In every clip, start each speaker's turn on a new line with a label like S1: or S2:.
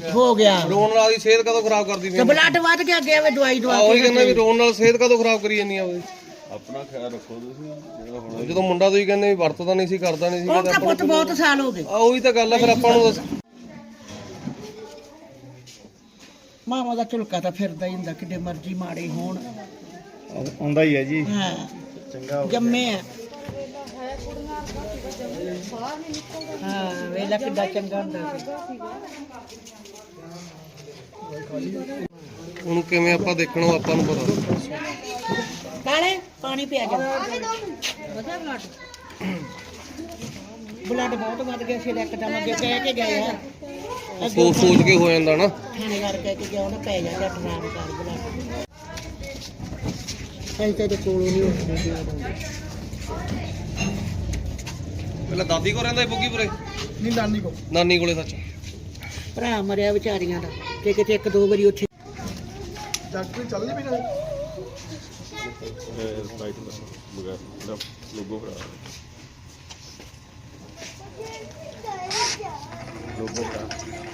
S1: ਹੋ ਗਿਆ
S2: ਰੋਣ ਨਾਲ ਦੀ ਸਿਹਤ ਕਦੋਂ ਖਰਾਬ ਕਰਦੀ ਪਈ?
S1: ਬਲੱਡ ਵੱਧ ਗਿਆ ਗਿਆ ਵੇ ਦਵਾਈ ਦਵਾ
S2: ਉਹੀ ਕਹਿੰਦਾ ਵੀ ਰੋਣ ਨਾਲ ਸਿਹਤ ਕਦੋਂ ਖਰਾਬ ਕਰੀ ਜਾਂਦੀ ਆ ਉਹਦੀ।
S3: ਆਪਣਾ ਖਿਆਲ ਰੱਖੋ ਤੁਸੀਂ ਜਿਹੜਾ ਹੁਣ
S2: ਜਦੋਂ ਮੁੰਡਾ ਤੁਸੀਂ ਕਹਿੰਦੇ ਵੀ ਵਰਤਦਾ ਨਹੀਂ ਸੀ ਕਰਦਾ ਨਹੀਂ ਸੀ
S1: ਉਹ ਤਾਂ ਪੁੱਤ ਬਹੁਤ ਸਾਲ ਹੋ ਗਏ।
S2: ਉਹੀ ਤਾਂ ਗੱਲ ਆ ਫਿਰ ਆਪਾਂ ਨੂੰ ਦੱਸ।
S1: ਮਾਮਾ ਦਾ ਝੁਲਕਾ ਤਾਂ ਫਿਰਦਾ ਹੀ ਹੁੰਦਾ ਕਿਤੇ ਮਰਜ਼ੀ ਮਾੜੇ ਹੋਣ।
S4: ਆਉਂਦਾ ਹੀ ਹੈ ਜੀ।
S1: ਹਾਂ
S4: ਚੰਗਾ
S1: ਜੰਮੇ ਆ। ਹਾਂ ਵੇਲਾ ਕਿੱਡਾ ਚੰਗਾ ਹੁੰਦਾ ਸੀ।
S2: ਹੁਣ ਕਿਵੇਂ ਆਪਾਂ ਦੇਖਣੋਂ ਆਪਾਂ ਨੂੰ ਪਤਾ।
S1: ਕਾਲੇ ਪਾਣੀ ਪਿਆ ਜਾ। ਬਲੱਡ ਬਹੁਤ ਵੱਧ ਗਿਆ ਸੀ ਇੱਕਦਮ ਅੱਗੇ ਕਹਿ ਕੇ ਗਏ ਆ।
S2: ਸੋਚ ਸੋਚ ਕੇ ਹੋ ਜਾਂਦਾ ਨਾ।
S1: ਥਾਣੇਦਾਰ ਕਹਿ ਕੇ ਗਿਆ ਉਹਨੇ ਪੈ ਜਾਂਦਾ ਟਰਾਮ ਕਰ ਬਲੱਡ। ਸਹੀ ਤੇ ਕੋਲੋਂ ਨਹੀਂ ਉੱਠਦੇ ਸੀ ਉਦੋਂ।
S2: ਪਹਿਲਾਂ ਦਾਦੀ ਕੋ ਰਹਿੰਦਾ ਸੀ ਬੁੱਗੀਪੁਰੇ?
S4: ਨਹੀਂ ਨਾਨੀ ਕੋ।
S2: ਨਾਨੀ ਕੋਲੇ ਸੱਚ।
S1: ਭਰਾ ਮਰਿਆ ਵਿਚਾਰੀਆਂ ਦਾ ਤੇ ਕਿਤੇ ਇੱਕ ਦੋ ਵਾਰੀ ਉੱਥੇ
S4: ਡਾਕਟਰ ਚੱਲ ਨਹੀਂ ਪਈ
S3: ਰਾਈਟ ਮਗਾ ਲੋਗੋ ਭਰਾ ਲੋਗੋ ਭਰਾ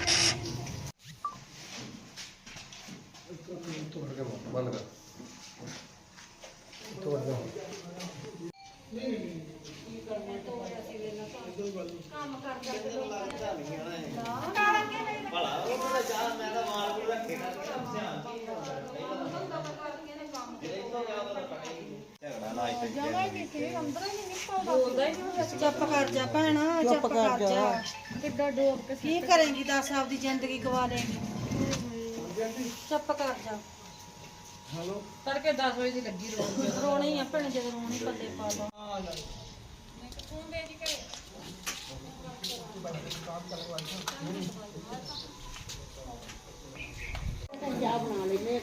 S2: ਬੰਦ ਕਰ।
S5: ਚੁੱਪ ਕਰ ਜਾ ਭੈਣਾ, ਚੁੱਪ ਕਰ ਜਾ। ਕਿੱਦਾਂ ਡੋਬ ਕੇ ਕੀ ਕਰੇਂਗੀ? ਦੱਸ ਆਪਦੀ ਜ਼ਿੰਦਗੀ ਗਵਾ ਲੇਂਗੀ। ਚੁੱਪ ਕਰ ਜਾ। ਹੈਲੋ ਤੜਕੇ 10 ਵਜੇ ਦੀ ਲੱਗੀ ਰੋਣੀ ਆ ਭੈਣ, ਜਦੋਂ ਰੋਣੀ ਪੱਲੇ ਪਾ ਲਓ।
S1: ਪੰਜਾਬ ਬਣਾ ਲੈਨੇ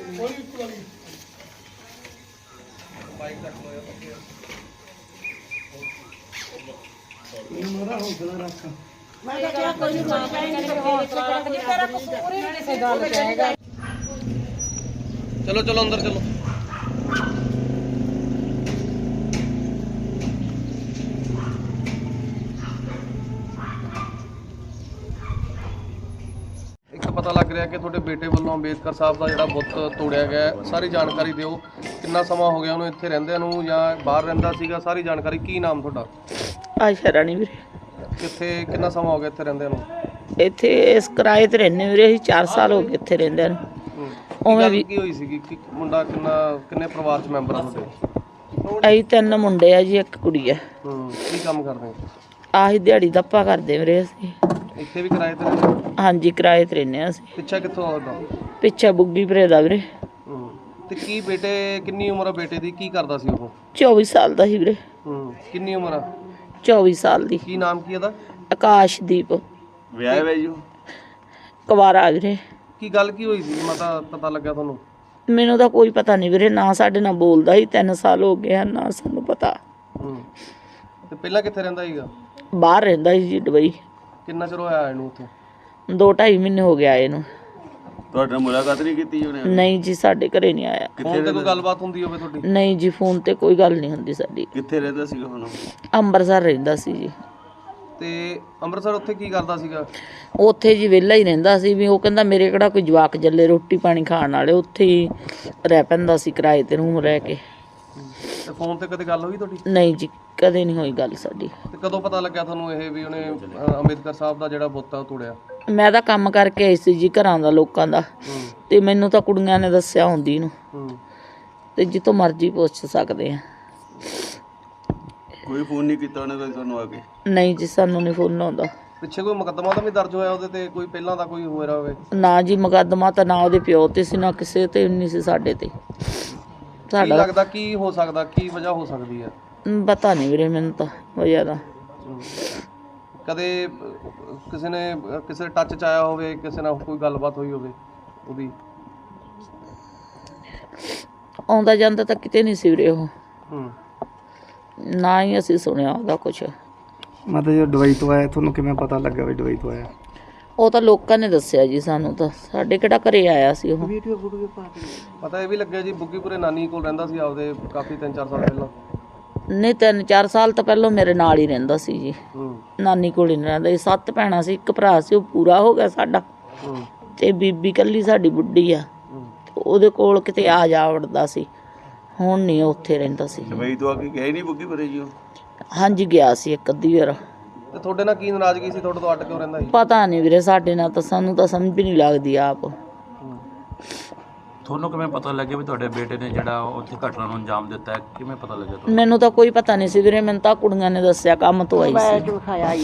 S2: ਬਾਈਕ ਤੱਕ ਲੋਇਆ ਪੱਕੇ।
S4: ਮੇਰਾ ਹੌਸਲਾ ਰੱਖ।
S1: ਮੈਂ ਤਾਂ ਕਿਹਾ ਕੋਈ ਨਹੀਂ ਤੇਰਾ ਕਸੂਰ ਹੀ ਨਹੀਂ ਸੀ ਗੱਲ ਕਹੇਗਾ।
S2: ਚਲੋ ਚਲੋ ਅੰਦਰ ਚਲੋ। ਇੱਕ ਪਤਾ ਲੱਗ ਰਿਹਾ ਕਿ ਤੁਹਾਡੇ ਬੇਟੇ ਵੱਲੋਂ ਅੰਬੇਦਕਰ ਸਾਹਿਬ ਦਾ ਜਿਹੜਾ ਬੁੱਤ ਤੋੜਿਆ ਗਿਆ ਹੈ। ਸਾਰੀ ਜਾਣਕਾਰੀ ਦਿਓ। ਕਿੰਨਾ ਸਮਾਂ ਹੋ ਗਿਆ ਉਹਨੂੰ ਇੱਥੇ ਰਹਿੰਦਿਆਂ ਨੂੰ ਜਾਂ ਬਾਹਰ ਰਹਿੰਦਾ ਸੀਗਾ? ਸਾਰੀ ਜਾਣਕਾਰੀ। ਕੀ ਨਾਮ ਤੁਹਾਡਾ?
S6: ਆਸ਼ਾ ਰਾਣੀ ਵੀਰੇ।
S2: ਕਿੱਥੇ ਕਿੰਨਾ ਸਮਾਂ ਹੋ ਗਿਆ ਇੱਥੇ ਰਹਿੰਦਿਆਂ ਨੂੰ?
S6: ਇੱਥੇ ਇਸ ਕਿਰਾਏ ਤੇ ਰਹਿੰਦੇ ਵੀਰੇ ਅਸੀਂ 4 ਸਾਲ ਹੋ ਗਏ ਇੱਥੇ ਰਹਿੰਦਿਆਂ ਨੂੰ।
S2: ਉਵੇਂ ਵੀ ਕੀ ਹੋਈ ਸੀਗੀ ਕਿ ਮੁੰਡਾ ਕਿੰਨੇ ਪਰਿਵਾਰ ਚ ਮੈਂਬਰ ਆ ਤੁਹਾਡੇ?
S6: ਅਸੀਂ 3 ਮੁੰਡੇ ਆ ਜੀ, 1 ਕੁੜੀ ਆ।
S2: ਕੀ ਕੰਮ ਕਰਦੇ?
S6: ਆਹੀ ਦਿਹਾੜੀ ਦੱਪਾ ਕਰਦੇ ਵੀਰੇ ਅਸੀਂ।
S2: ਇੱਥੇ ਵੀ ਕਿਰਾਏ ਤੇ ਰਹਿੰਦੇ?
S6: ਹਾਂਜੀ ਕਿਰਾਏ ਤੇ ਰਹਿੰਦੇ ਅਸੀਂ।
S2: ਪਿੱਛਾ ਕਿੱਥੋਂ ਆਉਂਦਾ?
S6: ਪਿੱਛੇ ਬੁੱਗੀ ਭਰੇ ਦਾ ਵੀਰੇ।
S2: ਤੇ ਕੀ ਬੇਟੇ ਕਿੰਨੀ ਉਮਰ ਆ ਬੇਟੇ ਦੀ? ਕੀ ਕਰਦਾ ਸੀ ਉਹ?
S6: 24 ਸਾਲ ਦਾ ਸੀ ਵੀਰੇ।
S2: ਕਿੰਨੀ ਉਮਰ ਆ?
S6: 24 ਸਾਲ ਦੀ।
S2: ਕੀ ਨਾਮ ਕੀ ਇਹਦਾ?
S6: ਆਕਾਸ਼ਦੀਪ।
S3: ਵਿਆਹ ਵੇ ਜੀ
S6: ਕੁਵਾਰਾ ਵੀਰੇ।
S2: ਕੀ ਗੱਲ ਕੀ ਹੋਈ ਸੀ? ਮਤਾ ਪਤਾ ਲੱਗਿਆ ਤੁਹਾਨੂੰ?
S6: ਮੈਨੂੰ ਤਾਂ ਕੋਈ ਪਤਾ ਨਹੀਂ ਵੀਰੇ, ਨਾ ਸਾਡੇ ਨਾਲ ਬੋਲਦਾ ਸੀ। 3 ਸਾਲ ਹੋ ਗਏ ਹਨ, ਨਾ ਸਾਨੂੰ ਪਤਾ।
S2: ਤੇ ਪਹਿਲਾਂ ਕਿੱਥੇ ਰਹਿੰਦਾ ਸੀਗਾ?
S6: ਬਾਹਰ ਰਹਿੰਦਾ ਸੀ ਜੀ ਦੁਬਈ।
S2: ਕਿੰਨਾ ਚਿਰ ਹੋਇਆ ਇਹਨੂੰ ਉੱਥੇ?
S6: 2-2.5 ਮਹੀਨੇ ਹੋ ਗਿਆ ਇਹਨੂੰ।
S3: ਤੁਹਾਡੇ ਨਾਲ ਮੁਲਾਕਾਤ ਨਹੀਂ ਕੀਤੀ ਉਹਨੇ?
S6: ਨਹੀਂ ਜੀ ਸਾਡੇ ਘਰੇ ਨਹੀਂ ਆਇਆ।
S2: ਫੋਨ ਤੇ ਕੋਈ ਗੱਲਬਾਤ ਹੁੰਦੀ ਹੋਵੇ ਤੁਹਾਡੀ?
S6: ਨਹੀਂ ਜੀ ਫੋਨ ਤੇ ਕੋਈ ਗੱਲ ਨਹੀਂ ਹੁੰਦੀ ਸਾਡੀ।
S3: ਕਿੱਥੇ ਰਹਿੰਦਾ ਸੀਗਾ ਹੁਣ?
S6: ਅੰਮ੍ਰਿਤਸਰ ਰਹਿੰਦਾ ਸੀ ਜੀ।
S2: ਤੇ ਅੰਮ੍ਰਿਤਸਰ ਉੱਥੇ ਕੀ ਕਰਦਾ ਸੀਗਾ?
S6: ਉੱਥੇ ਜੀ ਵਿਹਲਾ ਹੀ ਰਹਿੰਦਾ ਸੀ। ਵੀ ਉਹ ਕਹਿੰਦਾ ਮੇਰੇ ਕਿਹੜਾ ਕੋਈ ਜਵਾਕ ਜੱਲੇ ਰੋਟੀ ਪਾਣੀ ਖਾਣ ਵਾਲੇ, ਉੱਥੇ ਹੀ ਰਹਿ ਪੈਂਦਾ ਸੀ ਕਿਰਾਏ ਤੇ ਰੂਮ ਲੈ ਕੇ।
S2: ਤੇ ਫੋਨ ਤੇ ਕਦੇ ਗੱਲ ਹੋਈ ਤੁਹਾਡੀ?
S6: ਨਹੀਂ ਜੀ ਕਦੇ ਨਹੀਂ ਹੋਈ ਗੱਲ ਸਾਡੀ।
S2: ਤੇ ਕਦੋਂ ਪਤਾ ਲੱਗਿਆ ਤੁਹਾਨੂੰ ਇਹ ਵੀ ਉਹਨੇ ਅੰਬੇਦਕਰ ਸਾਹਿਬ ਦਾ ਜਿਹੜਾ ਬੁੱਤ ਆ ਉਹ ਤੋੜਿਆ?
S6: ਮੈਂ ਤਾਂ ਕੰਮ ਕਰਕੇ ਆਈ ਸੀ ਜੀ ਘਰਾਂ ਦਾ ਲੋਕਾਂ ਦਾ, ਤੇ ਮੈਨੂੰ ਤਾਂ ਕੁੜੀਆਂ ਨੇ ਦੱਸਿਆ ਹੁੰਦੀ ਨੂੰ। ਤੇ ਜਿੱਥੋਂ ਮਰਜ਼ੀ ਪੁੱਛ ਸਕਦੇ ਆ।
S3: ਕੋਈ ਫੋਨ ਨਹੀਂ ਕੀਤਾ ਉਹਨੇ ਕਦੇ ਤੁਹਾਨੂੰ ਆ ਕੇ?
S6: ਨਹੀਂ ਜੀ ਸਾਨੂੰ ਨਹੀਂ ਫੋਨ ਆਉਂਦਾ।
S2: ਪਿੱਛੇ ਕੋਈ ਮੁਕੱਦਮਾ ਤਾਂ ਵੀ ਦਰਜ ਹੋਇਆ ਉਹਦੇ ਤੇ? ਕੋਈ ਪਹਿਲਾਂ ਦਾ ਕੋਈ ਹੋਇਆ ਹੋਵੇ?
S6: ਨਾ ਜੀ ਮੁਕੱਦਮਾ ਤਾਂ ਨਾ ਉਹਦੇ ਪਿਓ ਤੇ ਸੀ, ਨਾ ਕਿਸੇ ਤੇ ਨਹੀਂ ਸੀ ਸਾਡੇ ਤੇ।
S2: ਕੀ ਲੱਗਦਾ ਕੀ ਹੋ ਸਕਦਾ? ਕੀ ਵਜ੍ਹਾ ਹੋ ਸਕਦੀ ਹੈ?
S6: ਪਤਾ ਨਹੀਂ ਵੀਰੇ ਮੈਨੂੰ ਤਾਂ ਵਜ੍ਹਾ ਦਾ।
S2: ਕਦੇ ਕਿਸੇ ਨੇ ਕਿਸੇ ਟੱਚ ਚ ਆਇਆ ਹੋਵੇ, ਕਿਸੇ ਨਾਲ ਕੋਈ ਗੱਲਬਾਤ ਹੋਈ ਹੋਵੇ ਉਹਦੀ?
S6: ਆਉਂਦਾ ਜਾਂਦਾ ਤਾਂ ਕਿਤੇ ਨਹੀਂ ਸੀ ਵੀਰੇ ਉਹ। ਨਾ ਹੀ ਅਸੀਂ ਸੁਣਿਆ ਉਹਦਾ ਕੁਛ।
S4: ਮਤਲਬ ਜੋ ਦੁਬਈ ਤੋਂ ਆਇਆ, ਤੁਹਾਨੂੰ ਕਿਵੇਂ ਪਤਾ ਲੱਗਾ ਵੀ ਦੁਬਈ ਤੋਂ ਆਇਆ?
S6: ਉਹ ਤਾਂ ਲੋਕਾਂ ਨੇ ਦੱਸਿਆ ਜੀ ਸਾਨੂੰ, ਤਾਂ ਸਾਡੇ ਕਿਹੜਾ ਘਰੇ ਆਇਆ ਸੀ ਉਹ।
S2: ਪਤਾ ਇਹ ਵੀ ਲੱਗਿਆ ਜੀ ਬੁੱਗੀਪੁਰੇ ਨਾਨੀ ਕੋਲ ਰਹਿੰਦਾ ਸੀ ਆਪਦੇ ਕਾਫੀ 3-4 ਸਾਲ ਪਹਿਲਾਂ?
S6: ਨਹੀਂ 3-4 ਸਾਲ ਤਾਂ ਪਹਿਲਾਂ ਮੇਰੇ ਨਾਲ ਹੀ ਰਹਿੰਦਾ ਸੀ ਜੀ। ਨਾਨੀ ਕੋਲ ਹੀ ਨਹੀਂ ਰਹਿੰਦਾ ਸੀ। 7 ਭੈਣਾਂ ਸੀ, 1 ਭਰਾ ਸੀ, ਉਹ ਪੂਰਾ ਹੋ ਗਿਆ ਸਾਡਾ। ਤੇ ਬੀਬੀ ਕੱਲੀ ਸਾਡੀ ਬੁੱਢੀ ਆ, ਉਹਦੇ ਕੋਲ ਕਿਤੇ ਆ ਜਾ ਵੜਦਾ ਸੀ, ਹੁਣ ਨਹੀਂ ਉੱਥੇ ਰਹਿੰਦਾ ਸੀ।
S3: ਦੁਬਈ ਤੋਂ ਆ ਕੇ ਗਏ ਨਹੀਂ ਬੁੱਗੀ ਭਰੇ ਜੀ ਉਹ?
S6: ਹਾਂਜੀ ਗਿਆ ਸੀ ਇੱਕ ਅੱਧੀ ਵਾਰ।
S2: ਤੇ ਤੁਹਾਡੇ ਨਾਲ ਕੀ ਨਾਰਾਜ਼ਗੀ ਸੀ, ਤੁਹਾਡੇ ਤੋਂ ਅੱਡ ਕਿਉਂ ਰਹਿੰਦਾ ਸੀ?
S6: ਪਤਾ ਨਹੀਂ ਵੀਰੇ, ਸਾਡੇ ਨਾਲ ਤਾਂ ਸਾਨੂੰ ਤਾਂ ਸਮਝ ਵੀ ਨਹੀਂ ਲੱਗਦੀ ਆਪ।
S7: ਤੁਹਾਨੂੰ ਕਿਵੇਂ ਪਤਾ ਲੱਗਿਆ ਵੀ ਤੁਹਾਡੇ ਬੇਟੇ ਨੇ ਜਿਹੜਾ ਉੱਥੇ ਘਟਨਾ ਨੂੰ ਅੰਜਾਮ ਦਿੱਤਾ ਹੈ? ਕਿਵੇਂ ਪਤਾ ਲੱਗਿਆ ਤੁਹਾਨੂੰ?
S6: ਮੈਨੂੰ ਤਾਂ ਕੋਈ ਪਤਾ ਨਹੀਂ ਸੀ ਵੀਰੇ, ਮੈਨੂੰ ਤਾਂ ਕੁੜੀਆਂ ਨੇ ਦੱਸਿਆ, ਕੰਮ ਤੋਂ ਆਈ ਸੀ।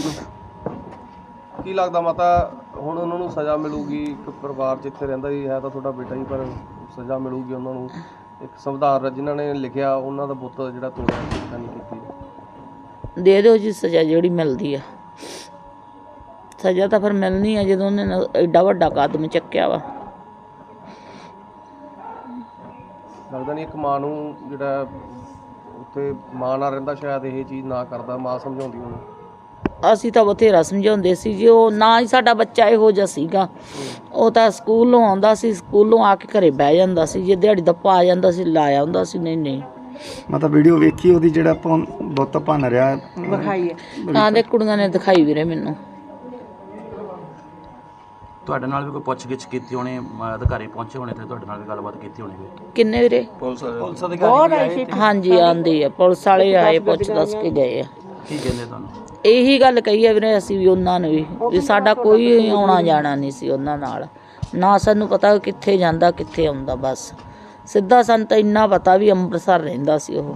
S2: ਕੀ ਲੱਗਦਾ ਮਾਤਾ ਹੁਣ ਉਹਨਾਂ ਨੂੰ ਸਜ਼ਾ ਮਿਲੂਗੀ? ਇੱਕ ਪਰਿਵਾਰ ਜਿੱਥੇ ਰਹਿੰਦਾ ਹੀ ਹੈ ਤਾਂ ਤੁਹਾਡਾ ਬੇਟਾ ਹੀ, ਪਰ ਸਜ਼ਾ ਮਿਲੂਗੀ ਉਹਨਾਂ ਨੂੰ? ਇੱਕ ਸੰਵਿਧਾਨ ਜਿਨ੍ਹਾਂ ਨੇ ਲਿਖਿਆ ਉਹਨਾਂ ਦਾ ਬੁੱਤ ਜਿਹੜਾ ਤੋੜਿਆ, ਸਿੱਖਿਆ ਨਹੀਂ ਕੀਤੀ।
S6: ਦੇ ਦਿਓ ਜੀ ਸਜ਼ਾ ਜਿਹੜੀ ਮਿਲਦੀ ਆ। ਸਜ਼ਾ ਤਾਂ ਫਿਰ ਮਿਲਣੀ ਆ ਜਦੋਂ ਉਹਨੇ ਐਡਾ ਵੱਡਾ ਕਦਮ ਚੱਕਿਆ ਵਾ।
S2: ਲੱਗਦਾ ਨਹੀਂ ਇੱਕ ਮਾਂ ਨੂੰ ਜਿਹੜਾ ਉੱਥੇ ਮਾਂ ਨਾਲ ਰਹਿੰਦਾ ਸ਼ਾਇਦ ਇਹ ਚੀਜ਼ ਨਾ ਕਰਦਾ, ਮਾਂ ਸਮਝਾਉਂਦੀ ਉਹਨੂੰ।
S6: ਅਸੀਂ ਤਾਂ ਬਥੇਰਾ ਸਮਝਾਉਂਦੇ ਸੀ ਜੀ, ਉਹ ਨਾ ਹੀ ਸਾਡਾ ਬੱਚਾ ਇਹੋ ਜਿਹਾ ਸੀਗਾ। ਉਹ ਤਾਂ ਸਕੂਲੋਂ ਆਉਂਦਾ ਸੀ, ਸਕੂਲੋਂ ਆ ਕੇ ਘਰੇ ਬਹਿ ਜਾਂਦਾ ਸੀ, ਜੇ ਦਿਹਾੜੀ ਦਾ ਪਾ ਜਾਂਦਾ ਸੀ ਲਾਇਆ ਹੁੰਦਾ ਸੀ। ਨਹੀਂ
S4: ਮਤਲਬ ਵੀਡੀਓ ਵੇਖੀ ਉਹਦੀ ਜਿਹੜਾ ਬੁੱਤ ਭੰਨ ਰਿਹਾ
S5: ਵਿਖਾਈ ਹੈ
S6: ਤਾਂ ਦੇ ਕੁੜੀਆਂ ਨੇ ਦਿਖਾਈ ਵੀਰੇ ਮੈਨੂੰ।
S7: ਤੁਹਾਡੇ ਨਾਲ ਵੀ ਕੋਈ ਪੁੱਛਗਿੱਛ ਕੀਤੀ ਹੋਣੀ, ਅਧਿਕਾਰੀ ਪਹੁੰਚੇ ਹੋਣੇ ਤੇ ਤੁਹਾਡੇ ਨਾਲ ਵੀ ਗੱਲਬਾਤ ਕੀਤੀ ਹੋਣੀ?
S6: ਕਿੰਨੇ ਵੀਰੇ?
S7: ਪੁਲਿਸ ਅਧਿਕਾਰੀ
S6: ਹਾਂਜੀ ਆਂਦੇ ਆ, ਪੁਲਿਸ ਵਾਲੇ ਆਏ, ਪੁੱਛ ਦੱਸ ਕੇ ਗਏ ਆ।
S7: ਕੀ ਕਹਿੰਦੇ ਤੁਹਾਨੂੰ?
S6: ਇਹੀ ਗੱਲ ਕਹੀ ਆ ਵੀਰੇ ਅਸੀਂ ਵੀ ਉਹਨਾਂ ਨੂੰ ਵੀ ਸਾਡਾ ਕੋਈ ਆਉਣਾ ਜਾਣਾ ਨਹੀਂ ਸੀ ਉਹਨਾਂ ਨਾਲ, ਨਾ ਸਾਨੂੰ ਪਤਾ ਕਿੱਥੇ ਜਾਂਦਾ ਕਿੱਥੇ ਆਉਂਦਾ। ਬਸ ਸਿੱਧਾ ਸਾਨੂੰ ਤਾਂ ਇੰਨਾ ਪਤਾ ਵੀ ਅੰਮ੍ਰਿਤਸਰ ਰਹਿੰਦਾ ਸੀ ਉਹ,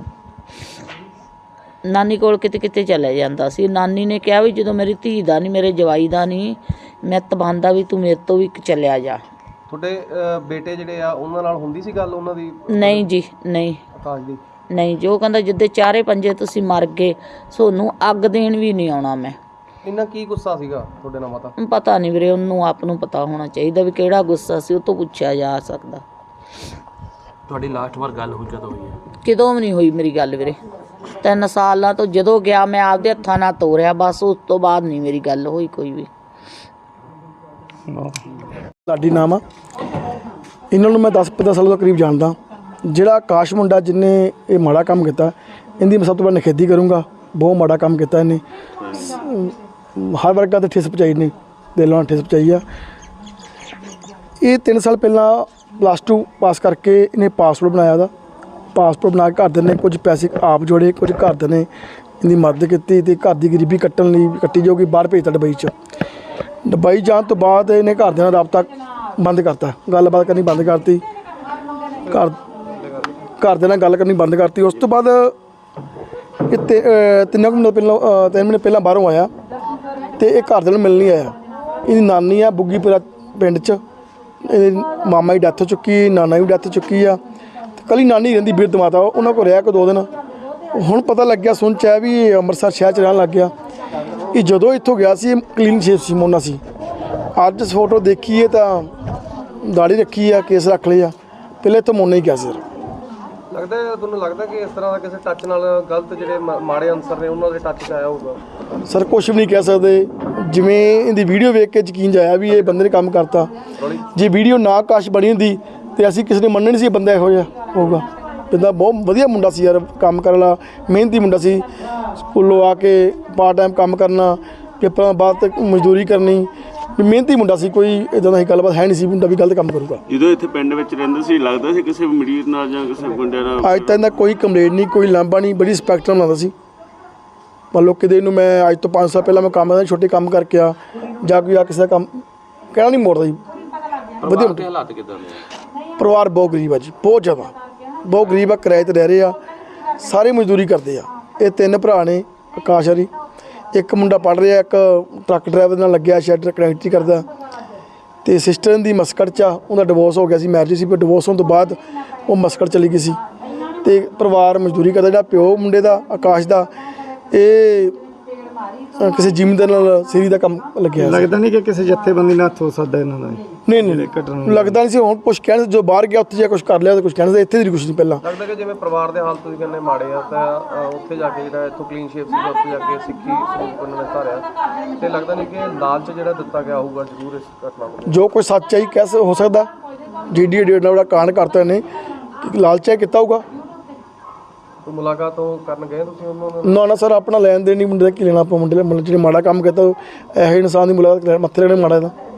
S6: ਨਾਨੀ ਕੋਲ ਕਿਤੇ ਕਿਤੇ ਚਲੇ ਜਾਂਦਾ ਸੀ। ਨਾਨੀ ਨੇ ਕਿਹਾ ਵੀ ਜਦੋਂ ਮੇਰੀ ਧੀ ਦਾ ਨਹੀਂ, ਮੇਰੇ ਜਵਾਈ ਦਾ ਨਹੀਂ, ਮੈਂ ਤਬਾਂਦਾ ਵੀ ਤੂੰ ਮੇਰੇ ਤੋਂ ਵੀ ਚਲਿਆ ਜਾ।
S2: ਤੁਹਾਡੇ ਬੇਟੇ ਜਿਹੜੇ ਆ ਉਹਨਾਂ ਨਾਲ ਹੁੰਦੀ ਸੀ ਗੱਲ ਉਹਨਾਂ ਦੀ?
S6: ਨਹੀਂ ਜੀ ਨਹੀਂ,
S2: ਆਕਾਸ਼ ਦੀ?
S6: ਨਹੀਂ ਜੋ ਕਹਿੰਦਾ ਜਿੱਦੇ ਚਾਰੇ ਪੰਜੇ ਤੁਸੀਂ ਮਰ ਗਏ, ਸੋਨੂੰ ਅੱਗ ਦੇਣ ਵੀ ਨਹੀਂ ਆਉਣਾ ਮੈਂ।
S2: ਇੰਨਾ ਕੀ ਗੁੱਸਾ ਸੀਗਾ ਤੁਹਾਡੇ ਨਾਲ ਮਾਤਾ?
S6: ਪਤਾ ਨਹੀਂ ਵੀਰੇ, ਉਹਨੂੰ ਆਪ ਨੂੰ ਪਤਾ ਹੋਣਾ ਚਾਹੀਦਾ ਵੀ ਕਿਹੜਾ ਗੁੱਸਾ ਸੀ, ਉਹ ਤੋਂ ਪੁੱਛਿਆ ਜਾ ਸਕਦਾ।
S7: ਤੁਹਾਡੀ ਲਾਸਟ ਵਾਰ ਗੱਲ ਹੋਈ ਕਦੋਂ ਹੋਈ ਹੈ?
S6: ਕਿਦੋਂ ਵੀ ਨਹੀਂ ਹੋਈ ਮੇਰੀ ਗੱਲ ਵੀਰੇ, 3 ਸਾਲਾਂ ਤੋਂ ਜਦੋਂ ਗਿਆ ਮੈਂ ਆਪਦੇ ਹੱਥਾਂ ਨਾਲ ਤੋਰਿਆ, ਬਸ ਉਸ ਤੋਂ ਬਾਅਦ ਨਹੀਂ ਮੇਰੀ ਗੱਲ ਹੋਈ ਕੋਈ ਵੀ।
S8: ਲਾਡੀ ਨਾਮ ਆ ਇਹਨਾਂ ਨੂੰ, ਮੈਂ 10-15 ਸਾਲਾਂ ਤੋਂ ਕਰੀਬ ਜਾਣਦਾ। ਜਿਹੜਾ ਆਕਾਸ਼ ਮੁੰਡਾ ਜਿਹਨੇ ਇਹ ਮਾੜਾ ਕੰਮ ਕੀਤਾ, ਇਹਦੀ ਮੈਂ ਸਭ ਤੋਂ ਵੱਧ ਨਿਖੇਧੀ ਕਰੂੰਗਾ। ਬਹੁਤ ਮਾੜਾ ਕੰਮ ਕੀਤਾ ਇਹਨੇ, ਹਰ ਵਰਗਾ ਤੇ ਠੇਸ ਪਹੁੰਚਾਈ ਨੇ, ਦਿਲੋਂ ਨਾਲ ਠੇਸ ਪਹੁੰਚਾਈ ਆ। ਇਹ 3 ਸਾਲ ਪਹਿਲਾਂ +2 ਪਾਸ ਕਰਕੇ ਇਹਨੇ ਪਾਸਪੋਰਟ ਬਣਾਇਆ ਉਹਦਾ। ਪਾਸਪੋਰਟ ਬਣਾ ਕੇ ਘਰਦਿਆਂ ਨੇ ਕੁਝ ਪੈਸੇ ਆਪ ਜੋੜੇ, ਕੁਝ ਘਰਦਿਆਂ ਨੇ ਇਹਦੀ ਮਦਦ ਕੀਤੀ ਤੇ ਘਰ ਦੀ ਗਰੀਬੀ ਕੱਟਣ ਲਈ ਕੱਟੀ ਜਾਊਗੀ, ਬਾਹਰ ਭੇਜਤਾ ਦੁਬਈ 'ਚ। ਦੁਬਈ ਜਾਣ ਤੋਂ ਬਾਅਦ ਇਹਨੇ ਘਰਦਿਆਂ ਨਾਲ ਰਾਬਤਾ ਬੰਦ ਕਰਤਾ, ਗੱਲਬਾਤ ਕਰਨੀ ਬੰਦ ਕਰਤੀ, ਘਰਦਿਆਂ ਨਾਲ ਗੱਲ ਕਰਨੀ ਬੰਦ ਕਰਤੀ। ਉਸ ਤੋਂ ਬਾਅਦ ਇਹ 3 ਮਹੀਨੇ ਪਹਿਲਾਂ ਬਾਹਰੋਂ ਆਇਆ ਤੇ ਇਹ ਘਰਦਿਆਂ ਨੂੰ ਮਿਲਣ ਨਹੀਂ ਆਇਆ। ਇਹਦੀ ਨਾਨੀ ਆ ਬੁੱਗੀਪੁਰਾ ਪਿੰਡ 'ਚ, ਇਹਦੇ ਮਾਮਾ ਦੀ ਡੈਥ ਹੋ ਚੁੱਕੀ, ਨਾਨਾ ਦੀ ਡੈਥ ਹੋ ਚੁੱਕੀ ਆ, ਤੇ ਕੱਲੀ ਨਾਨੀ ਰਹਿੰਦੀ ਬਿਰਧ ਮਾਤਾ, ਉਹਨਾਂ ਕੋਲ ਰਿਹਾ ਕੋ 2 ਦਿਨ। ਹੁਣ ਪਤਾ ਲੱਗਿਆ, ਸੁਣ 'ਚ ਹੈ ਵੀ ਇਹ ਅੰਮ੍ਰਿਤਸਰ ਸ਼ਹਿਰ 'ਚ ਰਹਿਣ ਲੱਗ ਗਿਆ। ਇਹ ਜਦੋਂ ਇੱਥੋਂ ਗਿਆ ਸੀ ਕਲੀਨ ਸ਼ੇਪ ਸੀ, ਮੋਨਾ ਸੀ। ਅੱਜ ਫੋਟੋ ਦੇਖੀਏ ਤਾਂ ਦਾੜੀ ਰੱਖੀ ਆ, ਕੇਸ ਰੱਖ ਲਏ ਆ, ਪਹਿਲੇ ਇੱਥੋਂ ਮੋਨਾ ਹੀ ਗਿਆ ਸੀ।
S2: ਲੱਗਦਾ ਤੁਹਾਨੂੰ ਲੱਗਦਾ ਕਿ ਇਸ ਤਰ੍ਹਾਂ ਦਾ ਕਿਸੇ ਟੱਚ ਨਾਲ ਗਲਤ ਜਿਹੜੇ ਮਾੜੇ ਅਨਸਰ ਨੇ ਉਹਨਾਂ ਦੇ ਟੱਚ 'ਚ ਆਇਆ ਹੋਊਗਾ?
S8: ਸਰ ਕੁਛ ਵੀ ਨਹੀਂ ਕਹਿ ਸਕਦੇ, ਜਿਵੇਂ ਇਹਦੀ ਵੀਡੀਓ ਵੇਖ ਕੇ ਯਕੀਨ ਜਾਇਆ ਵੀ ਇਹ ਬੰਦੇ ਨੇ ਕੰਮ ਕਰਤਾ। ਜੇ ਵੀਡੀਓ ਨਾ ਕਾਸ਼ ਬਣੀ ਹੁੰਦੀ ਤੇ ਅਸੀਂ ਕਿਸੇ ਨੇ ਮੰਨਣਾ ਨਹੀਂ ਸੀ ਇਹ ਬੰਦਾ ਇਹੋ ਜਿਹਾ ਹੋਊਗਾ। ਬੰਦਾ ਬਹੁਤ ਵਧੀਆ ਮੁੰਡਾ ਸੀ ਯਾਰ, ਕੰਮ ਕਰਨ ਵਾਲਾ, ਮਿਹਨਤੀ ਮੁੰਡਾ ਸੀ। ਸਕੂਲੋਂ ਆ ਕੇ ਪਾਰਟ ਟਾਈਮ ਕੰਮ ਕਰਨਾ, ਪੇਪਰਾਂ ਬਾਅਦ ਤੱਕ ਮਜ਼ਦੂਰੀ ਕਰਨੀ, ਮਿਹਨਤੀ ਮੁੰਡਾ ਸੀ। ਕੋਈ ਇੱਦਾਂ ਦੀ ਗੱਲਬਾਤ ਹੈ ਨਹੀਂ ਸੀ ਮੁੰਡਾ ਵੀ ਗਲਤ ਕੰਮ ਕਰੂਗਾ।
S3: ਜਦੋਂ ਇੱਥੇ ਪਿੰਡ ਵਿੱਚ ਰਹਿੰਦਾ ਸੀ ਲੱਗਦਾ ਸੀ ਕਿਸੇ ਮਰੀਜ਼ ਨਾਲ ਜਾਂ ਕਿਸੇ ਗੁੰਡਿਆਂ ਨਾਲ?
S8: ਅੱਜ ਤੱਕ ਦਾ ਕੋਈ ਕੰਪਲੇਂਟ ਨਹੀਂ, ਕੋਈ ਲਾਂਭਾ ਨਹੀਂ, ਬੜੀ ਰਿਸਪੈਕਟ ਨਾਲ ਬਣਾਉਂਦਾ ਸੀ। ਮੰਨ ਲਓ ਕਿਤੇ ਨੂੰ ਮੈਂ ਅੱਜ ਤੋਂ 5 ਸਾਲ ਪਹਿਲਾਂ ਮੈਂ ਕੰਮ ਕਰਦਾ, ਛੋਟੇ ਕੰਮ ਕਰਕੇ ਆ ਜਾਂ ਕੋਈ ਆ ਕਿਸੇ ਦਾ ਕੰਮ ਕਹਿਣਾ ਨਹੀਂ ਮੋੜਦਾ ਜੀ। ਵਧੀਆ
S7: ਹਾਲਾਤ ਕਿੱਦਾਂ ਦੇ?
S8: ਪਰਿਵਾਰ ਬਹੁਤ ਗਰੀਬ ਆ ਜੀ, ਬਹੁਤ ਜ਼ਿਆਦਾ ਬਹੁਤ ਗਰੀਬ ਆ, ਕਿਰਾਏ 'ਤੇ ਰਹਿ ਰਹੇ ਆ, ਸਾਰੇ ਮਜ਼ਦੂਰੀ ਕਰਦੇ ਆ। ਇਹ 3 ਭਰਾ ਨੇ, ਆਕਾਸ਼ ਹਰੀ, ਇੱਕ ਮੁੰਡਾ ਪੜ੍ਹ ਰਿਹਾ, ਇੱਕ ਟਰੱਕ ਡਰਾਈਵਰ ਨਾਲ ਲੱਗਿਆ, ਸ਼ੈਡ ਕਨੈਕਟਰੀ ਕਰਦਾ, ਤੇ ਸਿਸਟਰ ਦੀ ਮਸਕਟ 'ਚ ਆ, ਉਹਦਾ ਡਿਵੋਰਸ ਹੋ ਗਿਆ ਸੀ, ਮੈਰਿਜ ਸੀ, ਪਰ ਡਿਵੋਰਸ ਹੋਣ ਤੋਂ ਬਾਅਦ ਉਹ ਮਸਕਟ ਚਲੀ ਗਈ ਸੀ ਤੇ ਪਰਿਵਾਰ ਮਜ਼ਦੂਰੀ ਕਰਦਾ। ਜਿਹੜਾ ਪਿਓ ਮੁੰਡੇ ਦਾ ਆਕਾਸ਼ ਦਾ, ਇਹ ਕਿਸੇ ਜ਼ਿਮੀਂਦਾਰ ਨਾਲ ਸੀਰੀ ਦਾ ਕੰਮ ਲੱਗਿਆ।
S4: ਲੱਗਦਾ ਨਹੀਂ ਕਿ ਕਿਸੇ ਜੱਥੇਬੰਦੀ ਨਾਲ ਹੋ ਸਕਦਾ ਇਹਨਾਂ ਦਾ?
S8: ਨਹੀਂ ਲੱਗਦਾ ਨਹੀਂ ਸੀ। ਹੁਣ ਕੁਛ ਕਹਿਣ ਜੋ ਬਾਹਰ ਗਿਆ ਉੱਥੇ ਜਾ ਕੁਛ ਕਰ ਲਿਆ, ਤਾਂ ਕੁਛ ਕਹਿਣ ਇੱਥੇ ਦੀ ਕੁਛ ਨਹੀਂ। ਪਹਿਲਾਂ
S2: ਲੱਗਦਾ ਕਿ ਜਿਵੇਂ ਪਰਿਵਾਰ ਦੇ ਹਾਲ ਤੁਸੀਂ ਕਹਿੰਦੇ ਮਾੜੇ ਆ, ਤਾਂ ਉੱਥੇ ਜਾ ਕੇ ਜਿਹੜਾ ਇੱਥੋਂ ਕਲੀਨ ਸ਼ੇਪ ਸੀਗਾ, ਉੱਥੇ ਜਾ ਕੇ ਸਿੱਖੀ ਸਰੂਪ ਉਹਨਾਂ ਨੇ ਧਾਰਿਆ, ਤੇ ਲੱਗਦਾ ਨਹੀਂ ਕਿ ਲਾਲਚ ਜਿਹੜਾ ਦਿੱਤਾ ਗਿਆ ਹੋਊਗਾ ਜ਼ਰੂਰ ਇਸ ਘਟਨਾ ਨੂੰ? ਜੋ
S8: ਕੋਈ ਸੱਚਾਈ ਕਹਿ ਹੋ ਸਕਦਾ, ਜਿਹੜੀ ਡੇਢ ਨਾਲ ਕਾਂਡ ਕਰਤਾ ਇਹਨੇ, ਲਾਲਚਾ ਕੀਤਾ ਹੋਊਗਾ।
S2: ਕੋਈ ਮੁਲਾਕਾਤ ਕਰਨ ਗਏ ਤੁਸੀਂ ਉਹਨਾਂ ਨਾਲ?
S8: ਨਾ ਸਰ, ਆਪਣਾ ਲੈਣ ਦੇਣ ਨਹੀਂ, ਮੁੰਡੇ ਦਾ ਕੀ ਲੈਣਾ ਆਪਾਂ। ਮੁੰਡੇ ਜਿਹੜੇ ਮਾੜਾ ਕੰਮ ਕੀਤਾ ਇਹੋ ਇਨਸਾਨ ਦੀ ਮੁਲਾਕਾਤ ਮੱਥੇ ਲੈਣੇ ਮਾੜਾ ਦਾ।